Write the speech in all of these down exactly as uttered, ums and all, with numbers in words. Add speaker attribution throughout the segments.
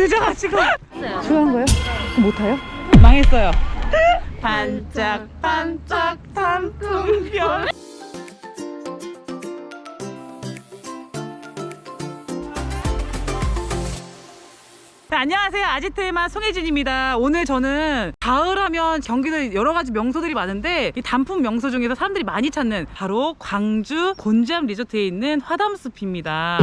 Speaker 1: 늦어가지고. 좋아한 거예요? 그럼 못 타요? 망했어요. 반짝반짝 단풍별. 네, 안녕하세요. 아지트의 맛 송혜진입니다. 오늘 저는 가을하면 경기도에 여러 가지 명소들이 많은데 이 단품 명소 중에서 사람들이 많이 찾는 바로 광주 곤지암 리조트에 있는 화담숲입니다.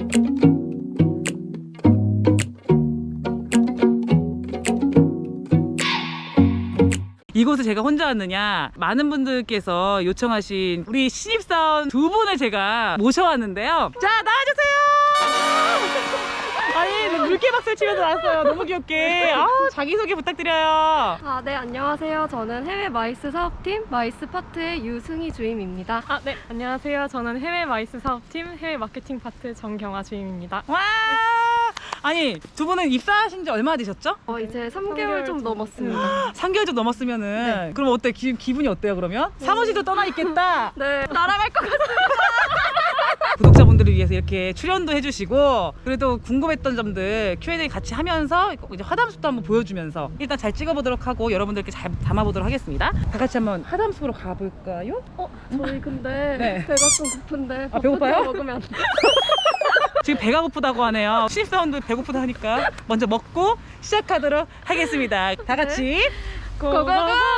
Speaker 1: 이곳을 제가 혼자 왔느냐, 많은 분들께서 요청하신 우리 신입사원 두 분을 제가 모셔왔는데요. 자, 나와주세요. 아니, 물개박수를 치면서 나왔어요. 너무 귀엽게. 아, 자기소개 부탁드려요.
Speaker 2: 아, 네, 안녕하세요. 저는 해외 마이스 사업팀 마이스 파트의 유승희 주임입니다.
Speaker 3: 아, 네, 안녕하세요. 저는 해외 마이스 사업팀 해외 마케팅 파트 정경아 주임입니다.
Speaker 1: 와! 아니, 두 분은 입사하신 지 얼마나 되셨죠?
Speaker 2: 어, 이제 삼 개월
Speaker 3: 삼 개월
Speaker 2: 좀
Speaker 3: 좀
Speaker 2: 넘었습니다.
Speaker 1: 삼 개월 좀 넘었으면은
Speaker 2: 네.
Speaker 1: 그럼 어때? 기, 기분이 어때요, 그러면? 사무실도 떠나 있겠다.
Speaker 2: 네, 날아갈 것 같아요.
Speaker 1: 구독자분들을 위해서 이렇게 출연도 해주시고, 그래도 궁금했던 점들 큐 앤 에이 같이 하면서 이제 화담숲도 한번 보여주면서 일단 잘 찍어보도록 하고 여러분들께 잘 담아보도록 하겠습니다. 다 같이 한번 화담숲으로 가볼까요?
Speaker 2: 어, 저희 근데
Speaker 1: 네.
Speaker 2: 배가 좀 고픈데
Speaker 1: 아, 배고파요?
Speaker 2: 버터 먹으면 안 돼.
Speaker 1: 지금 배가 고프다고 하네요. 신입사원들 배고프다 하니까 먼저 먹고 시작하도록 하겠습니다. 다 같이
Speaker 2: 고고고!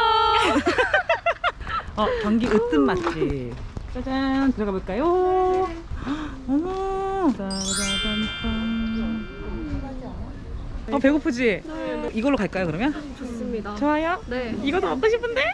Speaker 1: 어, 경기 으뜸 맛집. 짜잔, 들어가 볼까요? 어머, 따라단딴. 어, 배고프지?
Speaker 2: 네,
Speaker 1: 이걸로 갈까요, 그러면?
Speaker 2: 좋습니다.
Speaker 1: 좋아요.
Speaker 2: 네.
Speaker 1: 이것도 먹고 싶은데?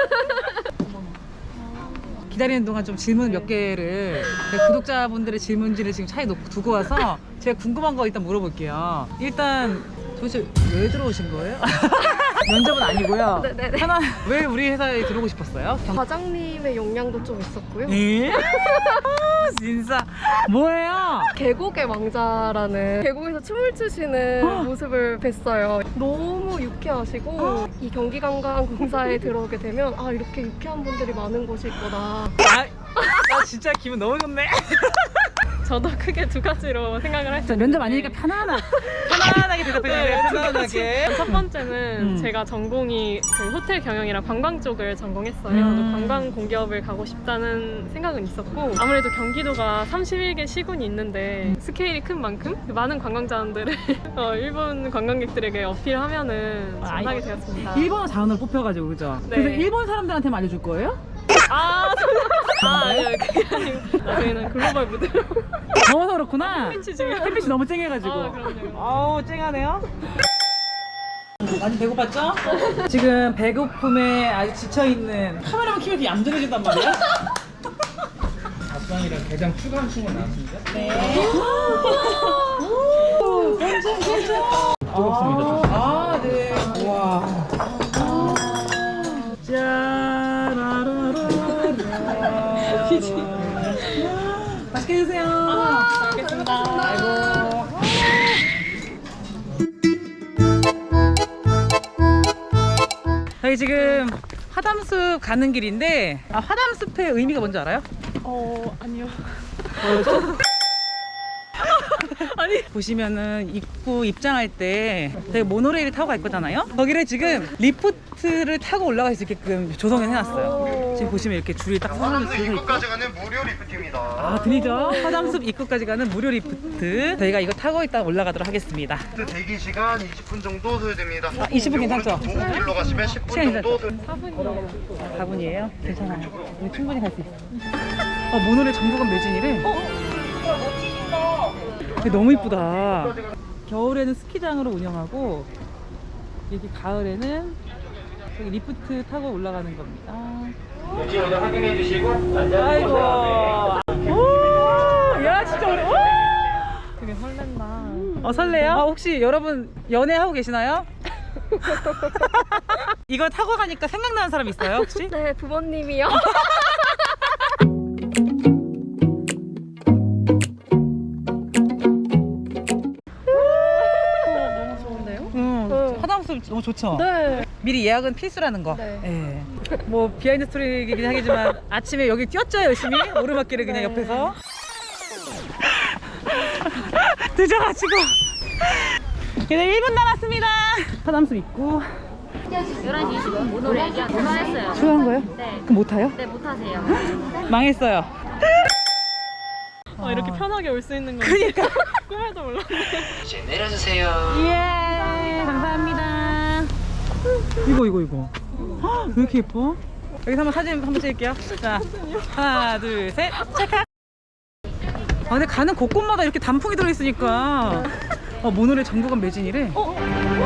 Speaker 1: 기다리는 동안 좀 질문 몇 개를, 제가 구독자분들의 질문지를 지금 차에 놓고 두고 와서 제가 궁금한 거 일단 물어볼게요. 일단 도대체 왜 들어오신 거예요? 면접은 아니고요.
Speaker 2: 네네네.
Speaker 1: 하나, 왜 우리 회사에 들어오고 싶었어요? 경...
Speaker 2: 과장님의 용량도 좀 있었고요.
Speaker 1: 에? 아, 진짜 뭐예요?
Speaker 2: 계곡의 왕자라는 계곡에서 춤을 추시는 모습을 뵀어요. 너무 유쾌하시고 이 경기관광공사에 들어오게 되면 아, 이렇게 유쾌한 분들이 많은 곳이 있구나.
Speaker 1: 아, 나 진짜 기분 너무 좋네.
Speaker 3: 저도 크게 두 가지로 생각을 했어요.
Speaker 1: 자, 면접 아니니까 편안하, 편안하게 대답해주세요. 편안하게.
Speaker 3: 첫 번째는
Speaker 1: 음.
Speaker 3: 제가 전공이 그 호텔 경영이랑 관광 쪽을 전공했어요.
Speaker 1: 음.
Speaker 3: 관광 공기업을 가고 싶다는 생각은 있었고, 아무래도 경기도가 삼십일 개 시군이 있는데 스케일이 큰 만큼 많은 관광자원들을 어, 일본 관광객들에게 어필하면은
Speaker 1: 아,
Speaker 3: 전하게 되었습니다.
Speaker 1: 일본어 자원으로 뽑혀가지고, 그죠?
Speaker 3: 네.
Speaker 1: 그래서 일본 사람들한테만 알려줄 거예요?
Speaker 3: 아, 아, 아니요, 그게 아니고 저희는 글로벌 무대로
Speaker 1: 더워서 그렇구나.
Speaker 3: 햇빛이 지금
Speaker 1: 햇빛이 너무 쨍해가지고.
Speaker 3: 아, 그럼요.
Speaker 1: 아우, 쨍하네요. 많이 배고팠죠? 지금 배고픔에 아주 지쳐있는 카메라만 키면 이렇게 얌전해진단 말이야? 닭강이랑 게장 추가한 친구 나왔습니다. 네. 오, 괜찮, 괜찮. 뜨겁습니다. 아, 네. 와. 짜라라라라. 맛있게 드세요.
Speaker 3: 잘 먹겠습니다.
Speaker 1: 아이고. 저희 지금 화담숲 가는 길인데, 아, 화담숲의 의미가 뭔지 알아요?
Speaker 3: 어, 아니요.
Speaker 1: 뭐였죠? 아니, 보시면은 입구 입장할 때 저희 모노레일 타고 갈 거잖아요. 거기를 지금 리프트를 타고 올라갈 수 있게끔 조성을 해놨어요. 지금 보시면 이렇게 줄이 딱 서서
Speaker 4: 화담숲
Speaker 1: 있고.
Speaker 4: 입구까지 가는 무료 리프트입니다.
Speaker 1: 아, 들리죠? 화담숲 입구까지 가는 무료 리프트. 저희가 이거 타고 일단 올라가도록 하겠습니다.
Speaker 4: 리프트 대기 시간 이십 분 정도 소요됩니다.
Speaker 1: 아, 이십 분 괜찮죠?
Speaker 4: 도보길로 가시면 십 분
Speaker 1: 시간
Speaker 4: 정도 소요.
Speaker 3: 사 분이요.
Speaker 1: 사 분이에요? 괜찮아요. 우리 충분히 갈 수 있어. 어, 모노레일 정부간 매진이래. 너무 이쁘다. 겨울에는 스키장으로 운영하고, 여기 가을에는 여기 리프트 타고 올라가는 겁니다.
Speaker 4: 확인해 주시고
Speaker 1: 아이고. 오, 야, 진짜 어려.
Speaker 3: 되게 설렌다.
Speaker 1: 어, 설레요? 아, 혹시 여러분 연애하고 계시나요? 이걸 타고 가니까 생각나는 사람 있어요, 혹시?
Speaker 2: 네, 부모님이요. 너무 좋은데요?
Speaker 1: 응,
Speaker 2: 어.
Speaker 1: 화장실 너무 좋죠?
Speaker 2: 네.
Speaker 1: 미리 예약은 필수라는 거.
Speaker 2: 네.
Speaker 1: 예. 뭐 비하인드 스토리이긴 하겠지만 아침에 여기 뛰었죠, 열심히 오르막길을 그냥
Speaker 2: 네.
Speaker 1: 옆에서. 늦어가지고 이제 일 분 남았습니다. 화담수 있고.
Speaker 5: 열한 시 이십 분 모노레일 전화했어요.
Speaker 1: 출연한 거예요?
Speaker 5: 네.
Speaker 1: 그럼 못 타요?
Speaker 5: 네, 못하세요.
Speaker 1: 망했어요.
Speaker 3: 어, 이렇게 편하게 올 수 있는 건
Speaker 1: 그니까.
Speaker 3: 꿈에도 몰랐네.
Speaker 6: 이제 내려주세요.
Speaker 1: 예, 감사합니다. 이거, 이거, 이거. 헉, 왜 이렇게 예뻐? 여기서 한번 사진 한번 찍을게요. 자, 하나, 둘, 셋, 찰칵. 아, 근데 가는 곳곳마다 이렇게 단풍이 들어있으니까. 어, 모노레일 정보관 매진이래. 어?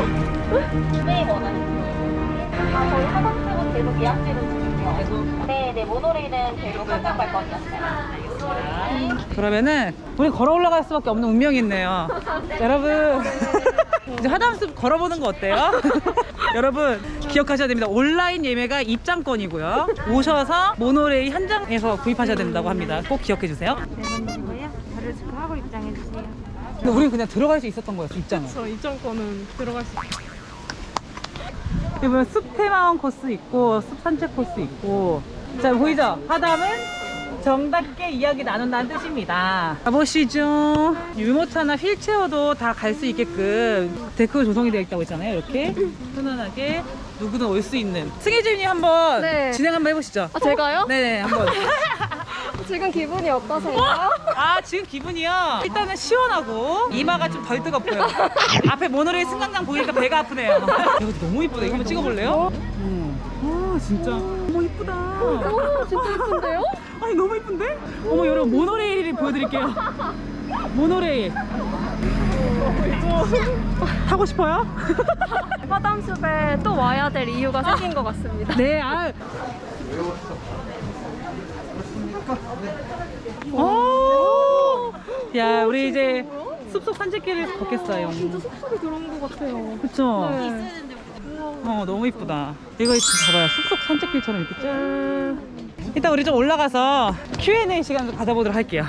Speaker 7: 아, 저희 화장실은 계속 예약제로 중이요. 네, 네, 모노레일은 계속 한강 발권이었어요.
Speaker 1: 그러면은 우리 걸어 올라갈 수밖에 없는 운명이 있네요. 여러분 이제 화담숲 걸어보는 거 어때요? 여러분 기억하셔야 됩니다. 온라인 예매가 입장권이고요. 오셔서 모노레일 현장에서 구입하셔야 된다고 합니다. 꼭 기억해 주세요.
Speaker 5: 네, 자료 체크하고 입장해 주세요.
Speaker 1: 근데 우리는 그냥 들어갈 수 있었던 거였어, 입장은.
Speaker 3: 저 입장권은 들어갈 수 있어요.
Speaker 1: 여기 보면 숲 테마원 코스 있고 숲 산책 코스 있고. 자, 보이죠? 화담은 정답게 이야기 나눈다는 뜻입니다. 가보시죠. 유모차나 휠체어도 다 갈 수 있게끔 데크가 조성이 되어 있다고 했잖아요. 이렇게 편안하게 누구든 올 수 있는. 승혜주님 한번
Speaker 2: 네.
Speaker 1: 진행 한번 해보시죠.
Speaker 2: 아, 제가요?
Speaker 1: 네네, 한번.
Speaker 2: 지금 기분이 어떠세요?
Speaker 1: 아, 지금 기분이요? 일단은 시원하고 이마가 좀 덜 뜨겁고요. 앞에 모노레일 승강장 보니까 배가 아프네요. 여기 너무 이쁘다. 이거 한번 찍어볼래요? 음. 아, 진짜. 어머, 이쁘다.
Speaker 2: 오, 진짜 예쁜데요?
Speaker 1: 아니, 너무 이쁜데? 어머, 여러분, 모노레일을 보여드릴게요. 모노레일. 타고 싶어요?
Speaker 2: 화담숲에 또 와야 될 이유가 생긴 것 같습니다.
Speaker 1: 네, 아. 오! 야, 우리 이제 숲속 산책길을 걷겠어요.
Speaker 2: 진짜 숲속에 들어온 것 같아요.
Speaker 1: 그쵸?
Speaker 2: 네.
Speaker 1: 어, 너무 이쁘다. 이거 지금 봐봐요. 숲속 산책길처럼 이렇게 짠. 이따 우리 좀 올라가서 큐 앤 에이 시간 좀 가져보도록 할게요.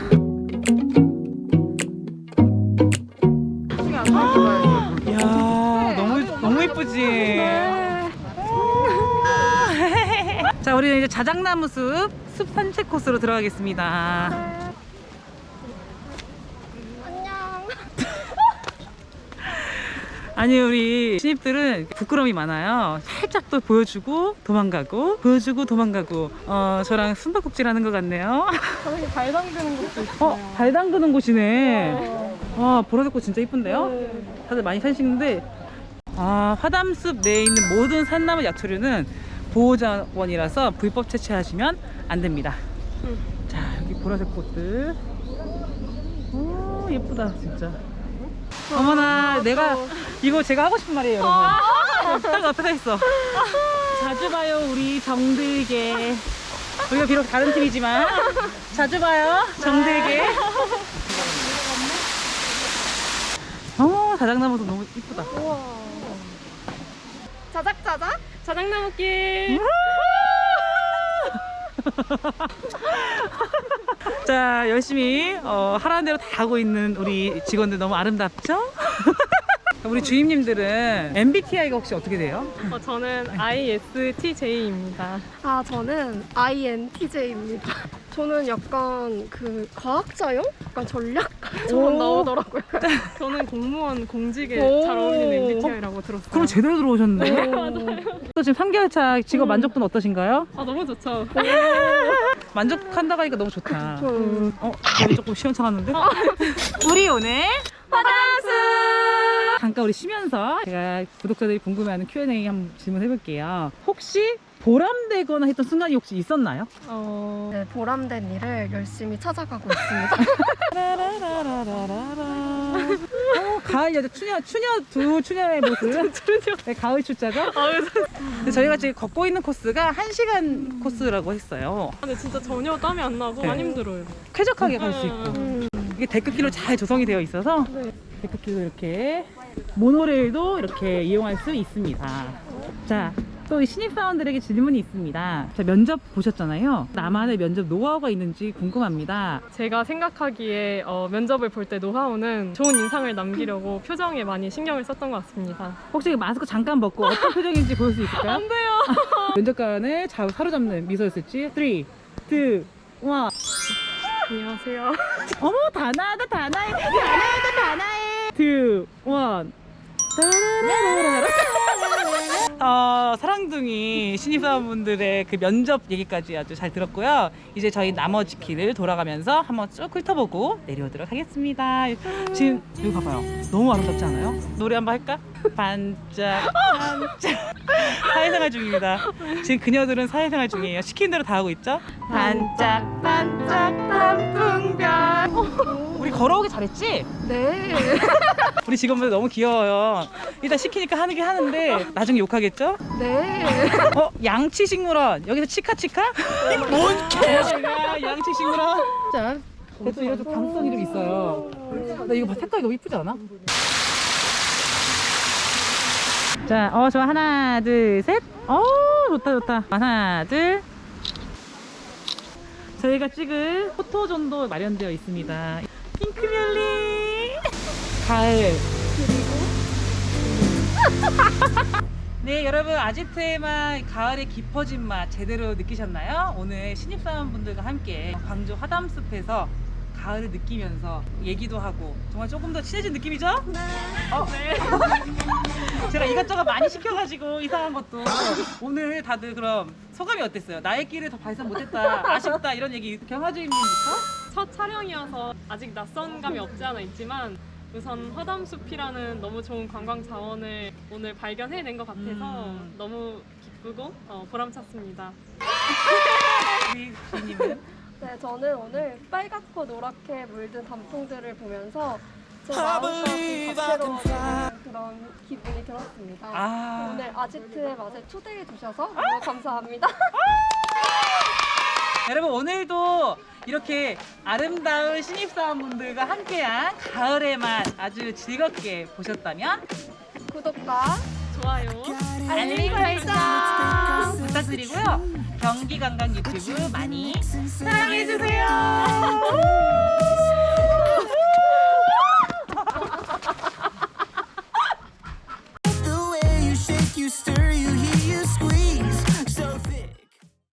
Speaker 1: 이야, 너무, 너무 이쁘지? 자, 우리는 이제 자작나무 숲, 숲 산책 코스로 들어가겠습니다.
Speaker 2: 안녕.
Speaker 1: 아니, 우리 신입들은 부끄러움이 많아요. 살짝 또 보여주고 도망가고 보여주고 도망가고. 어, 저랑 숨바꼭질 하는 것 같네요.
Speaker 3: 저렇게 발 담그는 것도 있어요.
Speaker 1: 어, 발 담그는 곳이네. 와, 보라색 꽃 진짜 이쁜데요?
Speaker 3: 네.
Speaker 1: 다들 많이 사시는데. 아, 화담숲 내에 있는 모든 산나무 약초류는 보호자원이라서 불법 채취하시면 안 됩니다.
Speaker 3: 응.
Speaker 1: 자, 여기 보라색 꽃들. 오, 예쁘다 진짜. 어머나, 내가 이거 제가 하고 싶은 말이에요, 여러분. 딱 앞에 서 있어. 자주 봐요, 우리 정들게. 우리가 비록 다른 팀이지만 자주 봐요, 정들게. 어, 자작나무도 너무 이쁘다.
Speaker 2: 자작자작?
Speaker 3: 자작나무길.
Speaker 1: 자, 열심히 어, 하라는 대로 다 하고 있는 우리 직원들 너무 아름답죠? 우리 주임님들은 엠 비 티 아이가 혹시 어떻게 돼요?
Speaker 3: 어, 저는 아이 에스 티 제이입니다.
Speaker 2: 아, 저는 아이 엔 티 제이입니다. 저는 약간 그 과학자용? 약간 전략가처럼
Speaker 1: 오.
Speaker 2: 나오더라고요.
Speaker 3: 저는 공무원 공직에
Speaker 2: 오.
Speaker 3: 잘 어울리는 엠 비 티 아이라고 들었어요.
Speaker 1: 그럼 제대로 들어오셨네. 또 지금 삼 개월 차 직업 만족도는 어떠신가요?
Speaker 3: 아, 너무 좋죠.
Speaker 1: 만족한다고 하니까 너무 좋다.
Speaker 2: 음.
Speaker 1: 어, 여기 조금 시원찮았는데? 우리 오늘 화장수! 잠깐 우리 쉬면서 제가 구독자들이 궁금해하는 큐 앤 에이 한번 질문해볼게요. 혹시 보람되거나 했던 순간이 혹시 있었나요?
Speaker 3: 어,
Speaker 2: 네, 보람된 일을 열심히 찾아가고 있습니다.
Speaker 1: 라라라라라라. 어, 가을 여자 추녀 추녀 두 추녀의 모습. 추녀. 네, 가을 출자죠.
Speaker 3: 아, 그래서
Speaker 1: 근데 저희가 지금 걷고 있는 코스가 한 시간 코스라고 했어요.
Speaker 3: 근데 진짜 전혀 땀이 안 나고
Speaker 1: 네.
Speaker 3: 안 힘들어요.
Speaker 1: 쾌적하게 갈 수 있고.
Speaker 2: 음.
Speaker 1: 이게 데크길로 잘 조성이 되어 있어서
Speaker 2: 네.
Speaker 1: 데크길도 이렇게 모노레일도 이렇게 이용할 수 있습니다. 자, 또 신입사원들에게 질문이 있습니다. 자, 면접 보셨잖아요. 나만의 면접 노하우가 있는지 궁금합니다.
Speaker 3: 제가 생각하기에 어, 면접을 볼 때 노하우는 좋은 인상을 남기려고 표정에 많이 신경을 썼던 것 같습니다.
Speaker 1: 혹시 마스크 잠깐 벗고 어떤 표정인지 보일 수 있을까요?
Speaker 3: 안 돼요.
Speaker 1: 면접관을 잘 사로잡는 미소였을지. 삼, 이, 일.
Speaker 3: 안녕하세요.
Speaker 1: 어머, 다 나다 다 나해. 다 나다 다 나해. 이, 일. 어, 사랑둥이 신입사원분들의 그 면접 얘기까지 아주 잘 들었고요. 이제 저희 나머지 길을 돌아가면서 한번 쭉 훑어보고 내려오도록 하겠습니다. 지금 여기 봐봐요. 너무 아름답지 않아요? 노래 한번 할까? 반짝 반짝. 사회생활 중입니다. 지금 그녀들은 사회생활 중이에요. 시킨 대로 다 하고 있죠? 반짝 반짝 단풍별. 우리 걸어오기 잘했지?
Speaker 2: 네.
Speaker 1: 우리 직원분들 너무 귀여워요. 일단 시키니까 하는 게 하는데 나중에 욕하겠죠?
Speaker 2: 네.
Speaker 1: 어? 양치식물원 여기서 치카치카? 뭔 개야 양치식물원. 자, 그래도 이런 좀 감성이 좀 있어요. 나 이거 봐, 색깔이 너무 이쁘지 않아? 자, 어 좋아. 하나 둘 셋. 어 좋다 좋다. 하나 둘. 저희가 찍을 포토존도 마련되어 있습니다. 핑크뮬리 가을. 네, 여러분 아지트의 맛, 가을의 깊어진 맛 제대로 느끼셨나요? 오늘 신입사원분들과 함께 광주 화담숲에서 가을을 느끼면서 얘기도 하고 정말 조금 더 친해진 느낌이죠? 어? 네. 제가 이것저것 많이 시켜가지고 이상한 것도. 오늘 다들 그럼 소감이 어땠어요? 나의 길을 더 발산 못했다, 아쉽다 이런 얘기 경화주임님부터?
Speaker 3: 첫 촬영이어서 아직 낯선 감이 없지 않아 있지만 우선 화담숲이라는 너무 좋은 관광 자원을 오늘 발견해낸 것 같아서
Speaker 1: 음.
Speaker 3: 너무 기쁘고 어, 보람찼습니다.
Speaker 1: 우리 주임님은?
Speaker 2: 네, 저는 오늘 빨갛고 노랗게 물든 단풍들을 보면서 제 마음까지 다채로워지는 그런 기분이 들었습니다.
Speaker 1: 아.
Speaker 2: 오늘 아지트의 맛에 초대해 주셔서 너무 감사합니다.
Speaker 1: 여러분 오늘도 이렇게 아름다운 신입사원분들과 함께한 가을의 맛 아주 즐겁게 보셨다면
Speaker 2: 구독과
Speaker 3: 좋아요.
Speaker 1: 알림 설정 부탁드리고요. 경기관광 유튜브 많이 사랑해주세요.